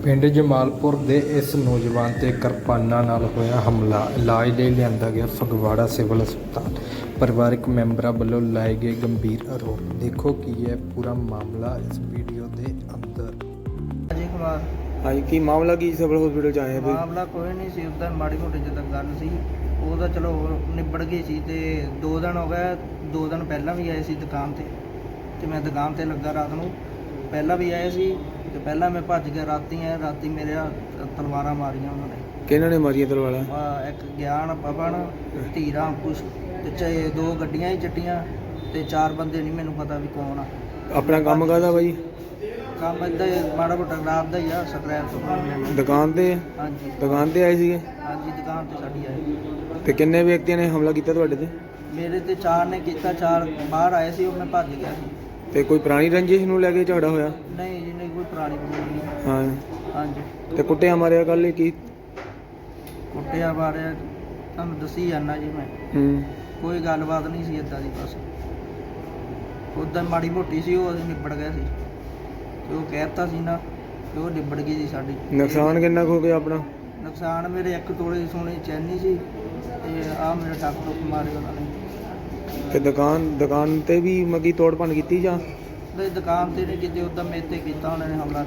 ਪਿੰਡ ਜਮਾਲਪੁਰ ਦੇ ਇਸ ਨੌਜਵਾਨ ਤੇ ਕਿਰਪਾਨਾਂ ਨਾਲ ਹੋਇਆ ਹਮਲਾ। ਇਲਾਜ ਲਈ ਲਿਆਂਦਾ ਗਿਆ ਫਗਵਾੜਾ ਸਿਵਲ ਹਸਪਤਾਲ। ਪਰਿਵਾਰਕ ਮੈਂਬਰਾਂ ਵੱਲੋਂ ਲਾਏ ਗਏ ਗੰਭੀਰ ਆਰੋਪ। ਦੇਖੋ ਕੀ ਹੈ ਪੂਰਾ ਮਾਮਲਾ ਇਸ ਵੀਡੀਓ ਦੇ ਅੰਦਰ। ਅਜੇ ਕੁਮਾਰ ਹਾਂਜੀ, ਕੀ ਮਾਮਲਾ ਕੀ ਸਿਵਲ ਹਸਪੀਟਲ ਚ ਆਏ ਆ? ਮਾਮਲਾ ਕੋਈ ਨਹੀਂ ਸੀ, ਉਦਾਂ ਮਾੜੀ ਮੋਟੀ ਜਿੱਦਾਂ ਗੱਲ ਸੀ ਉਹ ਤਾਂ ਚਲੋ ਨਿਬੜ ਗਈ ਸੀ। ਤੇ 2 ਦਿਨ ਹੋ ਗਏ, 2 ਦਿਨ ਪਹਿਲਾਂ ਵੀ ਆਏ ਸੀ ਦੁਕਾਨ ਤੇ ਮੈਂ ਦੁਕਾਨ ਤੇ ਲੱਗਾ ਰਾਤ ਨੂੰ। ਪਹਿਲਾਂ ਵੀ ਆਏ ਸੀ ਤੇ ਪਹਿਲਾਂ ਮੈਂ ਭੱਜ ਗਿਆ। ਰਾਤੀ ਮੇਰੇ ਤਲਵਾਰਾਂ ਮਾਰੀਆਂ ਉਹਨਾਂ ਨੇ। ਕਿਹਨਾਂ ਨੇ ਮਾਰੀਆਂ ਤਲਵਾਰਾਂ? ਇੱਕ ਗਿਆਨ, ਪਵਨ, ਧੀਰਾ, ਅੰਕੁਸ਼ ਤੇ 2 ਗੱਡੀਆਂ ਹੀ ਚੱਟੀਆਂ ਤੇ 4 ਬੰਦੇ ਨਹੀਂ ਮੈਨੂੰ ਪਤਾ ਵੀ ਕੌਣ ਆ। ਆਪਣਾ ਕੰਮ ਕਰਦਾ ਬਾਈ? ਕੰਮ ਇੱਦਾਂ ਮਾੜਾ ਮੋਟਾ ਰਾਤ ਦਾ ਹੀ ਆ, ਸਕ੍ਰੈਪ ਤੋਂ। ਦੁਕਾਨ ਤੇ? ਹਾਂਜੀ ਦੁਕਾਨ ਤੇ ਆਏ ਸੀਗੇ? ਹਾਂਜੀ, ਦੁਕਾਨ ਤੇ ਸਾਡੀ ਆਏ। ਤੇ ਕਿੰਨੇ ਵਿਅਕਤੀਆਂ ਨੇ ਹਮਲਾ ਕੀਤਾ ਤੁਹਾਡੇ ਤੇ? ਮੇਰੇ ਤੇ 4 ਨੇ ਕੀਤਾ, 4 ਬਾਹਰ ਆਏ ਸੀ, ਉਹ ਮੈਂ ਭੱਜ ਗਿਆ ਸੀ। ਤੇ ਕੋਈ ਪੁਰਾਣੀ ਰੰਜਿਸ਼ ਨੂੰ ਲੈ ਕੇ ਝਗੜਾ ਹੋਇਆ? ਨਹੀਂ ਜੀ, ਨਹੀਂ ਕੋਈ ਪੁਰਾਣੀ ਨਹੀਂ। ਹਾਂ। ਹਾਂਜੀ। ਤੇ ਕੁੱਟਿਆ ਮਾਰਿਆ ਕੱਲ ਕੀ? ਕੁੱਟਿਆ ਮਾਰਿਆ ਤੁਹਾਨੂੰ ਦੱਸੀ ਜਾਣਾ ਜੀ ਮੈਂ। ਕੋਈ ਗੱਲਬਾਤ ਨਹੀਂ ਸੀ ਇੱਦਾਂ ਦੀ, ਬਸ ਉੱਦਾਂ ਮਾੜੀ ਮੋਟੀ ਸੀ, ਉਹ ਅਸੀਂ ਨਿਬੜ ਗਏ ਸੀ ਤੇ ਉਹ ਕਹਿਤਾ ਸੀ ਨਾ ਕਿ ਉਹ ਨਿਬੜ ਗਈ ਸੀ ਸਾਡੀ। ਨੁਕਸਾਨ ਕਿੰਨਾ ਕੁ ਹੋ ਗਿਆ ਆਪਣਾ? ਨੁਕਸਾਨ ਮੇਰੇ 1 ਤੋਲੇ ਦੀ ਸੋਨੇ ਦੀ ਚੈਨੀ ਸੀ ਤੇ ਆਹ ਮੇਰੇ ਟੱਕ ਟੁੱਕ ਮਾਰੇ ਉਹਨਾਂ ਨੇ। ਤੇ ਦੁਕਾਨ ਤੇ ਵੀ ਮਗੀ ਤੋੜ ਭੰਨ ਕੀਤੀ ਜਾਂ? ਨਹੀਂ, ਦੁਕਾਨ ਤੇ ਨਹੀਂ ਕੀਤੀ, ਉੱਦਾਂ ਮੇਰੇ ਤੇ ਕੀਤਾ ਉਹਨਾਂ ਨੇ ਹਮਲਾ।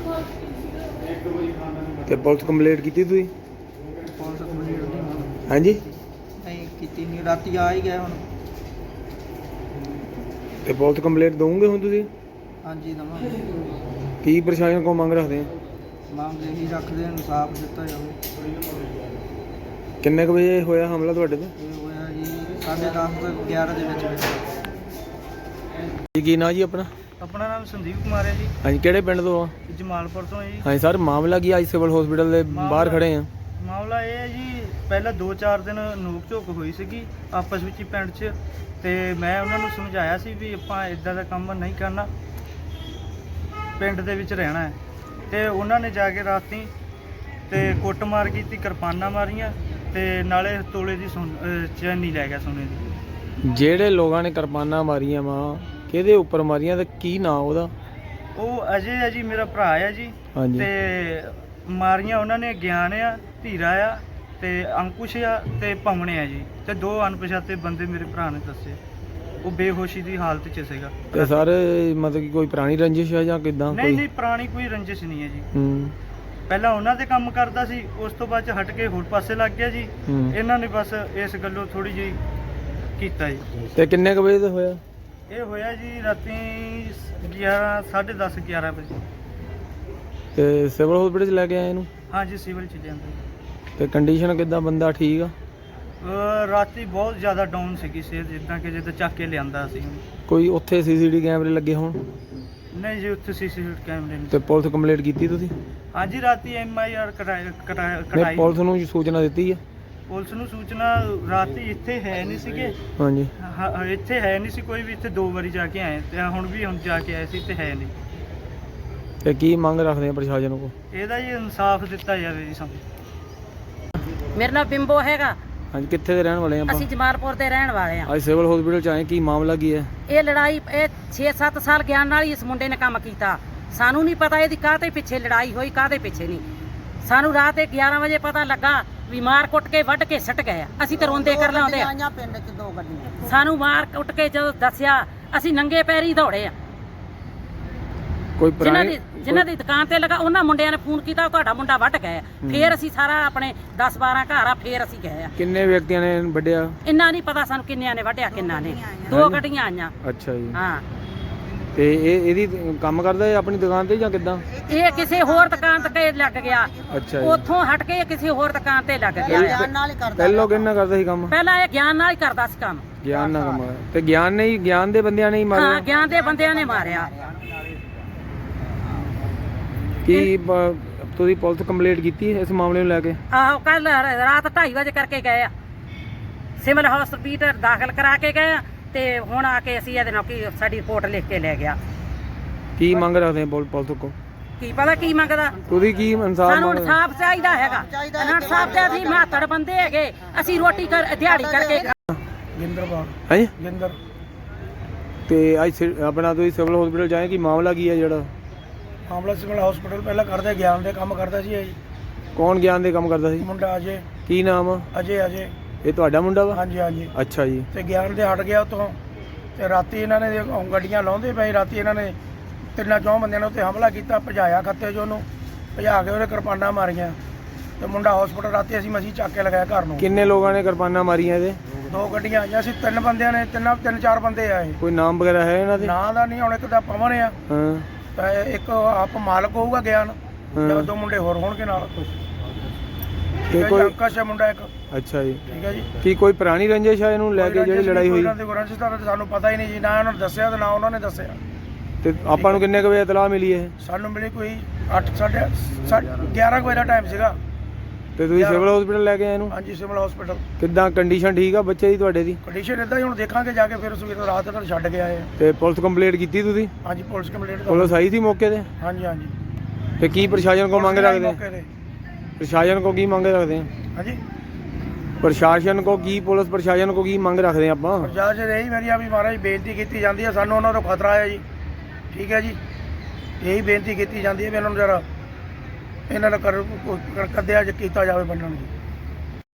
ਤੇ ਪੁਲਿਸ ਕੰਪਲੇਂਟ ਕੀਤੀ ਤੁਸੀਂ? ਪੁਲਿਸ ਕੰਪਲੀਟ ਨਹੀਂ ਹੋਣੀ। ਹਾਂਜੀ। ਨਹੀਂ ਕੀਤੀ, ਨਹੀਂ ਰਾਤੀ ਆ ਹੀ ਗਏ ਹੁਣ। ਤੇ ਪੁਲਿਸ ਕੰਪਲੇਂਟ ਦਵੋਗੇ ਹੁਣ ਤੁਸੀਂ? ਹਾਂਜੀ ਦਵਾਂਗੇ। ਕੀ ਪ੍ਰਸ਼ਾਸਨ ਕੋਲ ਮੰਗ ਰੱਖਦੇ ਆ? ਮੰਗ ਇਹੀ ਰੱਖਦੇ ਹਾਂ, ਇਨਸਾਫ ਦਿੱਤਾ ਜਾਵੇ। ਕਿੰਨੇ ਕੁ ਵਜੇ ਹੋਇਆ ਹਮਲਾ ਤੁਹਾਡੇ ਤੇ? ਇਹ ਹੋਇਆ ਜੀ 10:30 ਤੋਂ 11 ਦੇ ਵਿੱਚ। ਕੀ ਨਾਂ ਜੀ ਆਪਣਾ? ਆਪਣਾ ਨਾਮ ਸੰਦੀਪ ਕੁਮਾਰ ਹੈ ਜੀ। ਹਾਂਜੀ, ਕਿਹੜੇ ਪਿੰਡ ਤੋਂ ਆ? ਜਮਾਲਪੁਰ ਤੋਂ ਜੀ। ਹਾਂਜੀ ਸਰ, ਮਾਮਲਾ ਕੀ ਅੱਜ ਸਿਵਲ ਹਸਪੀਟਲ ਦੇ ਬਾਹਰ ਖੜੇ ਆ? ਮਾਮਲਾ ਇਹ ਹੈ ਜੀ, ਪਹਿਲਾਂ 2-4 ਦਿਨ ਨੋਕ ਝੋਕ ਹੋਈ ਸੀਗੀ ਆਪਸ ਵਿੱਚ ਹੀ ਪਿੰਡ 'ਚ, ਤੇ ਮੈਂ ਉਹਨਾਂ ਨੂੰ ਸਮਝਾਇਆ ਸੀ ਵੀ ਆਪਾਂ ਇਦਾਂ ਦਾ ਕੰਮ ਨਹੀਂ ਕਰਨਾ, ਪਿੰਡ ਦੇ ਵਿੱਚ ਰਹਿਣਾ ਹੈ। ਤੇ ਉਹਨਾਂ ਨੇ ਜਾ ਕੇ ਰਾਤੀ ਤੇ ਕੁੱਟਮਾਰ ਕੀਤੀ, ਕਿਰਪਾਨਾਂ ਮਾਰੀਆਂ ਤੇ ਨਾਲੇ ਤੋਲੇ ਦੀ ਚੈਨੀ ਲੈ ਗਿਆ ਸੋਨੇ ਦੀ। ਜਿਹੜੇ ਲੋਕਾਂ ਨੇ ਕਿਰਪਾਨਾਂ ਮਾਰੀਆਂ ਵਾ, ਕਿਹਦੇ ਉੱਪਰ ਮਾਰੀਆਂ ਤੇ ਕੀ ਨਾਂ ਉਹਦਾ? ਉਹ ਅਜੇ ਹੈ ਜੀ, ਮੇਰਾ ਭਰਾ ਹੈ ਜੀ। ਹਾਂਜੀ। ਤੇ ਮਾਰੀਆਂ ਉਹਨਾਂ ਨੇ ਗਿਆਨ ਆ, ਧੀਰਾ ਆ ਤੇ ਅੰਕੁਸ਼ ਆ ਤੇ ਪਵਨ ਆ ਜੀ। ਤੇ 2 ਅਣਪਛਾਤੇ ਬੰਦੇ ਮੇਰੇ ਭਰਾ ਨੇ ਦੱਸੇ। ਉਹ ਬੇਹੋਸ਼ੀ ਦੀ ਹਾਲਤ 'ਚ ਸੀਗਾ। ਤੇ ਸਰ ਮਤਲਬ ਕਿ ਕੋਈ ਪੁਰਾਣੀ ਰੰਜਿਸ਼ ਹੈ ਜਾਂ ਕਿਦਾਂ? ਨਹੀਂ, ਪੁਰਾਣੀ ਕੋਈ ਰੰਜਿਸ਼ ਨਹੀਂ ਹੈ ਜੀ। ਪਹਿਲਾਂ ਉਹਨਾਂ ਦੇ ਕੰਮ ਕਰਦਾ ਸੀ, ਉਸ ਤੋਂ ਬਾਅਦ 'ਚ ਹਟ ਕੇ ਹੋਰ ਪਾਸੇ ਲੱਗ ਗਿਆ ਜੀ। ਇਹਨਾਂ ਨੇ ਬਸ ਇਸ ਗੱਲੋਂ ਥੋੜੀ ਜਿਹੀ ਕੀਤਾ ਜੀ। ਤੇ ਕਿੰਨੇ ਕੁ ਵਜੇ ਦਾ ਹੋਇਆ? ਇਹ ਹੋਇਆ ਜੀ ਰਾਤੀ 10:30 11 ਵਜੇ। ਤੇ ਸਿਵਲ ਹਸਪੀਟਲ ਚ ਲੈ ਕੇ ਆਏ ਇਹਨੂੰ? ਹਾਂਜੀ, ਸਿਵਲ 'ਚ ਜਾਂਦੇ। ਤੇ ਕੰਡੀਸ਼ਨ ਕਿਦਾਂ? ਬੰਦਾ ਠੀਕ ਆ? ਰਾਤੀ ਬਹੁਤ ਜ਼ਿਆਦਾ ਡਾਊਨ ਸੀਗੀ ਸਿਹਤ, ਜਿੱਦਾਂ ਚੱਕ ਕੇ ਲਿਆਂਦਾ ਸੀ। ਕੋਈ ਉੱਥੇ ਸੀਸੀਟੀਵੀ ਕੈਮਰੇ ਲੱਗੇ ਹੋਣ? ਨਹੀਂ ਜੀ, ਉੱਥੇ ਸੀਸੀਟੀਵੀ ਕੈਮਰੇ ਨਹੀਂ। ਤੇ ਪੁਲਿਸ ਕੰਪਲੇਂਟ ਕੀਤੀ ਤੁਸੀਂ? ਹਾਂਜੀ, ਰਾਤੀ MIR ਕਟਾਈ। ਪੁਲਿਸ ਨੂੰ ਸੂਚਨਾ ਦਿੱਤੀ ਆ? ਪੁਲਿਸ ਨੂੰ ਸੂਚਨਾ ਰਾਤੀ ਇੱਥੇ ਹੈ ਨਹੀਂ ਸੀਗੇ। ਹਾਂਜੀ। ਇੱਥੇ ਹੈ ਨਹੀਂ ਸੀ ਕੋਈ ਵੀ। ਇੱਥੇ 2 ਵਾਰੀ ਜਾ ਕੇ ਆਏ ਤੇ ਹੁਣ ਜਾ ਕੇ ਆਏ ਸੀ ਤੇ ਹੈ ਨਹੀਂ। ਤੇ ਕੀ ਮੰਗ ਰੱਖਦੇ ਆ ਪ੍ਰਸ਼ਾਸਨ ਕੋਲ? ਇਹਦਾ ਜੀ ਇਨਸਾਫ ਦਿੱਤਾ ਜਾਵੇ ਜੀ ਸਾਨੂੰ। ਮੇਰਾ ਨਾਮ ਬਿੰਬੋ ਹੈਗਾ। ਹਾਂਜੀ, ਕਿੱਥੇ ਦੇ ਰਹਿਣ ਵਾਲੇ ਆ ਆਪਾਂ? ਅਸੀਂ ਜਮਾਲਪੁਰ ਦੇ ਰਹਿਣ ਵਾਲੇ ਆ। ਅੱਜ ਸਿਵਲ ਹਸਪੀਟਲ ਚ ਆਏ, ਕੀ ਮਾਮਲਾ ਕੀ ਹੈ? ਇਹ ਲੜਾਈ 6-7 ਸਾਲ ਗਿਆਨ ਨਾਲ ਹੀ ਇਸ ਮੁੰਡੇ ਨੇ ਕੰਮ ਕੀਤਾ। ਸਾਨੂੰ ਨਹੀਂ ਪਤਾ ਇਹਦੀ ਕਾਹਦੇ ਪਿੱਛੇ ਲੜਾਈ ਹੋਈ, ਕਾਹਦੇ ਪਿੱਛੇ ਨਹੀਂ। ਸਾਨੂੰ ਰਾਤ 11 ਵਜੇ ਪਤਾ ਲੱਗਾ ਵੀ ਮਾਰ ਕੁੱਟ ਕੇ ਵੱਢ ਕੇ ਸੱਟ ਗਏ ਆ। ਅਸੀਂ ਤਾਂ ਰੋਂਦੇ ਕਰ ਲਾਉਂਦੇ ਆ। ਪਿੰਡ 'ਚ 2 ਗੱਡੀਆਂ ਸਾਨੂੰ ਮਾਰ ਕੁੱਟ ਕੇ ਜਦੋਂ ਦੱਸਿਆ, ਅਸੀਂ ਨੰਗੇ ਪੈਰੀ ਦੌੜੇ ਆ। ਕੋਈ ਜਿਨ੍ਹਾਂ ਦੀ ਦੁਕਾਨ ਤੇ ਲਗਾ ਉਹਨਾਂ ਮੁੰਡਿਆਂ ਨੇ ਫੋਨ ਕੀਤਾ, ਤੁਹਾਡਾ ਮੁੰਡਾ ਵੱਢ ਗਏ। ਫੇਰ ਅਸੀਂ ਸਾਰਾ ਆਪਣੇ 10-12 ਘਰ ਆ, ਫੇਰ ਅਸੀਂ ਗਏ ਆ। ਕਿੰਨੇ ਵਿਅਕਤੀਆਂ ਨੇ ਵੱਢਿਆ? ਇੰਨਾ ਨਹੀਂ ਪਤਾ ਸਾਨੂੰ ਕਿੰਨਿਆਂ ਨੇ ਵੱਢਿਆ, ਕਿੰਨਾ ਨੇ। 2 ਗੱਡੀਆਂ ਆਈਆਂ। ਅੱਛਾ ਜੀ। ਹਾਂ। ਤੇ ਇਹਦੀ ਕੰਮ ਕਰਦਾ ਹੈ ਆਪਣੀ ਦੁਕਾਨ ਤੇ ਜਾਂ ਕਿੱਦਾਂ? ਇਹ ਕਿਸੇ ਹੋਰ ਦੁਕਾਨ ਤੇ ਲੱਗ ਗਿਆ। ਅੱਛਾ ਜੀ। ਉੱਥੋਂ ਹਟ ਕੇ ਕਿਸੇ ਹੋਰ ਦੁਕਾਨ ਤੇ ਲੱਗ ਗਿਆ। ਪਹਿਲਾਂ ਕਿੰਨਾ ਕਰਦਾ ਸੀ ਕੰਮ? ਪਹਿਲਾਂ ਇਹ ਗਿਆਨ ਨਾਲ ਹੀ ਕਰਦਾ ਸੀ ਕੰਮ। ਗਿਆਨ ਨਾਲ ਕੰਮ? ਤੇ ਗਿਆਨ ਦੇ ਬੰਦਿਆਂ ਨੇ ਹੀ ਮਾਰਿਆ? ਹਾਂ, ਗਿਆਨ ਦੇ ਬੰਦਿਆਂ ਨੇ ਮਾਰਿਆ। ਕੀ ਤੁਸੀਂ ਪੁਲਿਸ ਕੰਪਲੇਂਟ ਕੀਤੀ ਇਸ ਮਾਮਲੇ ਨੂੰ ਲੈ ਕੇ? ਆਹੋ, ਕੱਲ ਰਾਤ 2:30 ਵਜੇ ਕਰਕੇ ਗਏ ਆ। ਸਿਵਲ ਹਸਪੀਟਲ ਦਾਖਲ ਕਰਾ ਕੇ ਗਏ ਆ ਤੇ ਹੁਣ ਆ ਕੇ ਅਸੀਂ ਇਹਦੇ ਨਾਲ ਕੀ ਸਾਡੀ ਰਿਪੋਰਟ ਲਿਖ ਕੇ ਲੈ ਗਿਆ। ਕੀ ਮੰਗ ਰੱਖਦੇ ਆ ਪੁਲਿਸ ਕੋਲ? ਕੀ ਪਤਾ ਕੀ ਮੰਗਦਾ? ਤੁਸੀਂ ਕੀ ਇਨਸਾਫ ਸਾਨੂੰ ਮੰਗਦੇ? ਇਨਸਾਫ ਚਾਹੀਦਾ ਹੈਗਾ। ਇਨਸਾਫ ਤੇ ਅਸੀਂ ਮਾਤੜ ਬੰਦੇ ਹੈਗੇ, ਅਸੀਂ ਰੋਟੀ ਦਿਹਾੜੀ ਕਰਕੇ। ਗਿੰਦਰਪਾਲ। ਹਾਂਜੀ। ਗਿੰਦਰ। ਤੇ ਅੱਜ ਆਪਣਾ ਤੁਸੀਂ ਸਿਵਲ ਹਸਪੀਟਲ ਜਾਏ, ਕੀ ਮਾਮਲਾ ਕੀ ਹੈ ਜਿਹੜਾ? ਮਾਮਲਾ ਸਿਵਲ ਹਸਪੀਟਲ ਪਹਿਲਾਂ ਕਰਦੇ ਗਿਆਨ ਦੇ ਕੰਮ ਕਰਦਾ ਸੀ ਇਹ ਜੀ। ਕੌਣ ਗਿਆਨ ਦੇ ਕੰਮ ਕਰਦਾ ਸੀ? ਮੁੰਡਾ ਅਜੇ ਕੀ ਨਾਮ ਆ? ਅਜੇ ਅਜੇ ਇਹ ਤੁਹਾਡਾ ਮੁੰਡਾ ਵਾ? ਹਾਂਜੀ ਹਾਂਜੀ। ਅੱਛਾ ਜੀ। ਤੇ ਗਿਆਨ ਦੇ ਹਟ ਗਿਆ ਉੱਥੋਂ ਤੇ ਰਾਤੀ ਇਹਨਾਂ ਨੇ ਗੱਡੀਆਂ ਲਾਉਂਦੇ ਪਏ, ਰਾਤੀ ਇਹਨਾਂ ਨੇ 3-4 ਬੰਦਿਆਂ ਨੇ ਉੱਤੇ ਹਮਲਾ ਕੀਤਾ, ਭਜਾਇਆ ਖੱਤੇ 'ਚ ਉਹਨੂੰ, ਭਜਾ ਕੇ ਉਹਦੇ ਕਿਰਪਾਨਾਂ ਮਾਰੀਆਂ ਤੇ ਮੁੰਡਾ ਹਸਪੀਟਲ ਰਾਤੀ ਅਸੀਂ ਮਸੀਂ ਚੱਕ ਕੇ ਲਗਾਇਆ ਘਰ ਨੂੰ। ਕਿੰਨੇ ਲੋਕਾਂ ਨੇ ਕਿਰਪਾਨਾਂ ਮਾਰੀਆਂ ਇਹਦੇ? 2 ਗੱਡੀਆਂ ਆਈਆਂ ਸੀ, 3 ਬੰਦਿਆਂ ਨੇ, 3-4 ਬੰਦੇ ਆਏ। ਕੋਈ ਨਾਮ ਵਗੈਰਾ ਹੈ ਇਹਨਾਂ ਦੇ? ਨਾਂ ਦਾ ਨਹੀਂ, ਹੁਣ ਇੱਕ ਦਾ ਪਵਨ ਆ ਹਾਂ ਤੇ ਇੱਕ ਆਪ ਮਾਲਕ ਹੋਊਗਾ ਗਿਆਨ, ਤੇ ਹਾਂ। 2 ਮੁੰਡੇ ਹੋਰ ਹੋਣਗੇ ਨਾਲ। ਤੇ ਕੋਈ ਕੋਈ ਅੰਕਸ਼ ਹੈ ਮੁੰਡਾ ਇੱਕ। ਅੱਛਾ ਜੀ। ਠੀਕ ਹੈ ਜੀ। ਕੀ ਕੋਈ ਪੁਰਾਣੀ ਰੰਜਿਸ਼ ਹੈ ਇਹਨੂੰ ਲੈ ਕੇ ਜਿਹੜੀ ਲੜਾਈ ਹੋਈ? ਰੰਜਿਸ਼ ਦਾ ਤਾਂ ਸਾਨੂੰ ਪਤਾ ਹੀ ਨਹੀਂ ਜੀ, ਨਾ ਉਹਨਾਂ ਨੇ ਦੱਸਿਆ ਤੇ ਨਾ ਉਹਨਾਂ ਨੇ ਦੱਸਿਆ। ਤੇ ਆਪਾਂ ਨੂੰ ਕਿੰਨੇ ਕੁ ਵਜੇ ਇਤਲਾਹ ਮਿਲੀ ਇਹ? ਸਾਨੂੰ ਮਿਲੀ ਕੋਈ 11 ਵਜੇ ਦਾ ਟਾਈਮ ਸੀਗਾ। ਤੇ ਤੁਸੀਂ ਸਿਵਲ ਹਸਪੀਟਲ ਲੈ ਕੇ ਆਏ ਇਹਨੂੰ? ਹਾਂਜੀ ਸਿਵਲ ਹਸਪੀਟਲ। ਕਿੱਦਾਂ ਕੰਡੀਸ਼ਨ ਠੀਕ ਆ ਬੱਚੇ ਦੀ ਤੁਹਾਡੇ ਦੀ? ਕੰਡੀਸ਼ਨ ਇਦਾਂ ਹੀ, ਹੁਣ ਦੇਖਾਂਗੇ ਜਾ ਕੇ, ਫਿਰ ਸਵੇਰ ਰਾਤ ਤੱਕ ਛੱਡ ਕੇ ਆਏ। ਤੇ ਪੁਲਿਸ ਕੰਪਲੇਂਟ ਕੀਤੀ ਤੁਸੀਂ? ਹਾਂਜੀ ਪੁਲਿਸ ਕੰਪਲੇਂਟ। ਪੁਲਿਸ ਆਈ ਸੀ ਮੌਕੇ ਤੇ? ਹਾਂਜੀ ਹਾਂਜੀ। ਤੇ ਕੀ ਪ੍ਰਸ਼ਾਸਨ ਕੋ ਮੰਗ ਰੱਖਦੇ? ਮੌਕੇ ਤੇ। ਪ੍ਰਸ਼ਾਸਨ ਕੋ ਕੀ ਮੰਗ ਰੱਖਦੇ ਆ? ਹਾਂਜੀ ਪ੍ਰਸ਼ਾਸਨ ਕੋ ਕੀ, ਪੁਲਿਸ ਪ੍ਰਸ਼ਾਸਨ ਕੋ ਕੀ ਮੰਗ ਰੱਖਦੇ ਆ ਆਪਾਂ? ਪ੍ਰਸ਼ਾਸਨ ਇਹੀ ਮੇਰੀ ਆ ਵੀ ਮਹਾਰਾਜ ਬੇਨਤੀ ਕੀਤੀ ਜਾਂਦੀ ਹੈ, ਸਾਨੂੰ ਉਹਨਾਂ ਤੋਂ ਖਤਰਾ ਹੈ ਜੀ। ਠੀਕ ਹੈ ਜੀ, ਇਹੀ ਬੇਨਤੀ ਕੀਤੀ ਜਾਂਦੀ ਹੈ ਵੀ ਇਹਨਾਂ ਨੂੰ ਜਰਾ ਇਹਨਾਂ ਦਾ ਕੱਦਿਆ ਕੀਤਾ ਜਾਵੇ ਬੰਨਣ ਜੀ।